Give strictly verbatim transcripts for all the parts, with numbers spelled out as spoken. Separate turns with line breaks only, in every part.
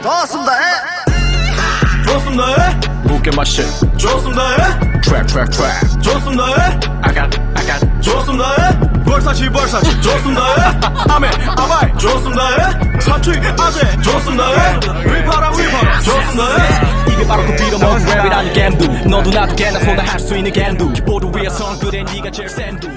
좋습니다.
좋습니다.
Look at my shit.
좋습니다.
Trap, trap, trap.
좋습니다.
I got, I got.
좋습니다. 벌사치 벌사치 좋습니다.
아메, 아바이.
좋습니다.
사투리, 아재.
좋습니다. 위파라 위파라 좋습니다.
이게 바로 그 빌어먹은 랩이라는 겜두. 너도 나도 개나 소나 할 수 있는 겜두. 보드 위에선 그래 네가 제일 센두.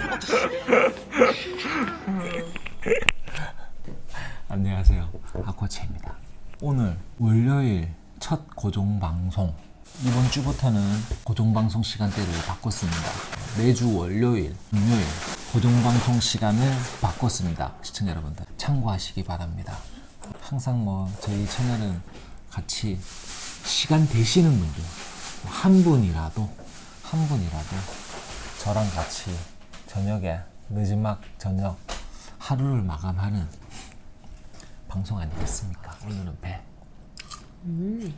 안녕하세요, 아쿠아체입니다. 오늘 월요일 첫 고정방송. 이번 주부터는 고정방송 시간대를 바꿨습니다. 매주 월요일, 금요일 고정방송 시간을 바꿨습니다. 시청자 여러분들 참고하시기 바랍니다. 항상 뭐 저희 채널은 같이 시간 되시는 분들 한 분이라도 한 분이라도 저랑 같이 저녁에 늦은막 저녁 하루를 마감하는 방송 아니겠습니까? 오늘은 배. 음.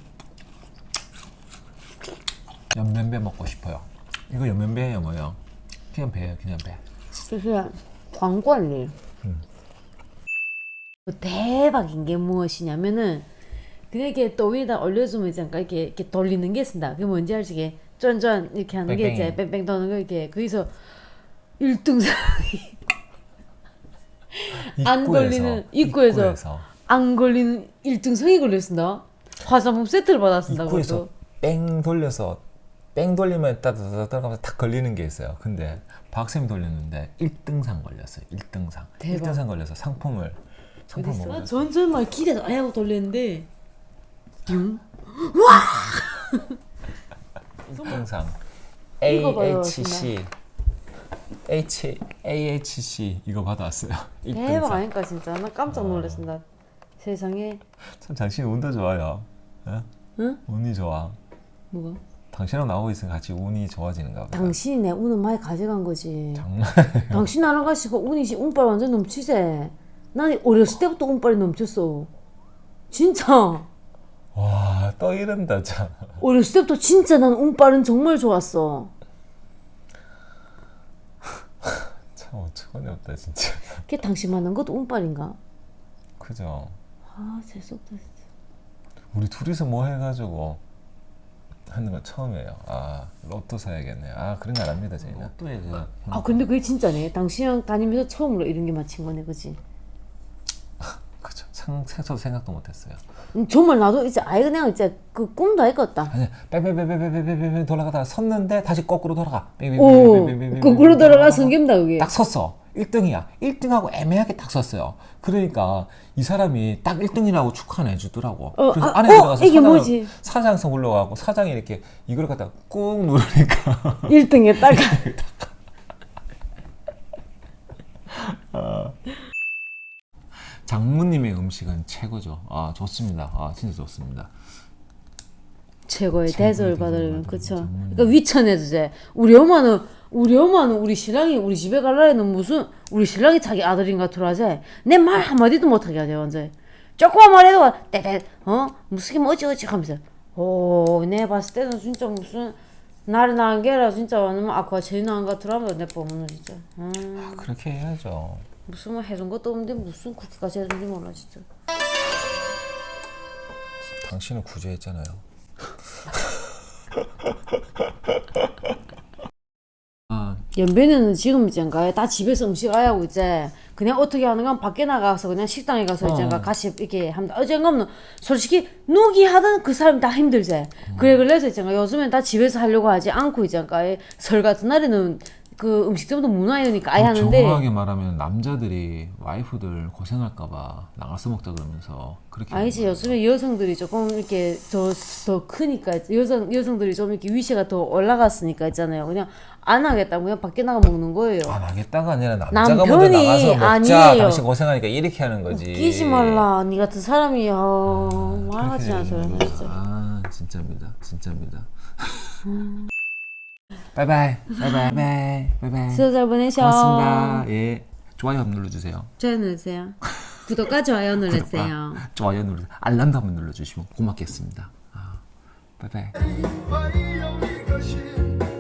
연면배 먹고 싶어요. 이거 연면배예요, 뭐요? 그냥 배예요, 그냥 배.
就是皇冠里
음.
대박인 게 무엇이냐면은 그냥 이렇게 또위에다 올려주면 잠깐 이렇게, 이렇게 돌리는 게 쓴다. 그게 뭔지 알지? 이게 쫀쫀 이렇게 하는 게 이제 뺑뺑 도는 거 이렇게 거기서 일 등상이 안 걸리는 입구에서, 입구에서 안 걸리는 일 등상이 걸렸습니다. 화장품 세트를 받았습니다.
입구에서
그것도.
뺑 돌려서 뺑 돌리면 따다다다 들어가면서 탁 걸리는 게 있어요. 근데 박쌤이 돌렸는데 일 등상 걸렸어요. 일 등상.
대박.
일 등상 걸려서 상품을 상품 먹었어요.
전전 막 기대서 하고 돌렸는데 응?
일 등상
이거 봐요,
에이에이치씨 H, 에이에이치씨 이거 받아왔어요. 일 등상.
대박 아닐까 진짜. 나 깜짝 놀랐습니다. 어. 세상에.
참 당신 운도 좋아요. 어?
응?
운이 좋아.
뭐가?
당신이랑 나오고 있으면 같이 운이 좋아지는가 보다.
당신이 내 운을 많이 가져간 거지.
정말.
당신 나랑 가시고 운이 운빨 완전 넘치세. 난 어렸을 때부터 운빨이 넘쳤어. 진짜.
와, 또 이런다 참.
어렸을 때부터 진짜 난 운빨은 정말 좋았어.
참 어처구니 없다 진짜.
그게 당신 만난 것도 운빨인가?
그죠.
아 재수없다 진짜.
우리 둘이서 뭐 해가지고 하는 건 처음이에요. 아 로또 사야겠네요. 아 그런 거 안 합니다 저희는. 로또에 그.
아 근데 그게 진짜네. 당신이랑 다니면서 처음으로 이런 게 맞힌 거네, 그지?
그죠. 상 저도 생각도 못했어요.
음, 정말 나도 이제 아예 그냥 이제 그 꿈도 아니겠다.
아니 빼빼빼빼빼빼빼 돌아가다가 섰는데 다시 거꾸로 돌아가.
오, 거꾸로 돌아가 성겸다 그게.
딱 섰어. 일 등이야. 일 등하고 애매하게 딱 섰어요. 그러니까 이 사람이 딱 일 등이라고 축하해 주더라고.
어,
그래서
아,
안에
어,
들어가서
이게
사장,
뭐지?
사장석 올라가고 사장이 이렇게 이걸 갖다가 꾹 누르니까
일 등에 딱.
아. 장모님의 음식은 최고죠. 아 좋습니다. 아 진짜 좋습니다.
최고의 대접을 받으려면 그쵸.
장모님.
그러니까 위천해도 돼. 우리 엄마는 우리 엄마는 우리 신랑이 우리 집에 갈라에는 무슨 우리 신랑이 자기 아들인가 들어하지. 내 말 한마디도 못하게 하죠 완전. 조그만 말해도 떼떼 어 무슨 뭐 어찌어찌 하면서. 오, 내 봤을 때는 진짜 무슨 나를 낳은 게라 진짜 완전 아까 제일 나은 것 같더라고요 내 뻔은 진짜. 음,
아, 그렇게 해야죠.
무슨 뭐 해준 것도 없는데 무슨 그렇게까지 해준지 몰라 진짜.
당신은 구제했잖아요. 아,
연배는 지금 있잖아 다 집에서 음식 안 하고 이제 그냥 어떻게 하는가 밖에 나가서 그냥 식당에 가서
어.
있잖아 같이 이렇게 합니다. 어젠가는 솔직히 누기 하던 그 사람 다 힘들지. 음. 그래 그래서 있잖아 요즘엔 다 집에서 하려고 하지 않고 있잖아 설 같은 날에는 그 음식점도 문화이니까 아예 하는데.
정확하게 말하면 남자들이 와이프들 고생할까봐 나가서 먹자 그러면서 그렇게.
아니지 요즘에 여성들이 조금 이렇게 더, 더 크니까 여성 여성들이 좀 이렇게 위세가 더 올라갔으니까 있잖아요. 그냥 안 하겠다 그냥 밖에 나가 먹는 거예요.
안 하겠다가 아니라 남자가 먼저
남편이
나가서 먹자.
아니에요.
당신 고생하니까 이렇게 하는 거지.
끼지 말라 니 같은 사람이야.
아,
말하지 않아
그렇게 되는
진짜.
거구나. 아 진짜입니다. 진짜입니다. 바이바이 바이바이 바이바이 바이바이.
수고 잘 보내셔.
고맙습니다. 예 좋아요 한번 눌러주세요.
좋아요 눌러주세요. 구독과 좋아요 눌러주세요.
구독과 좋아요 눌러 알람도 한번 눌러주시면 고맙겠습니다. 아, 바이바이.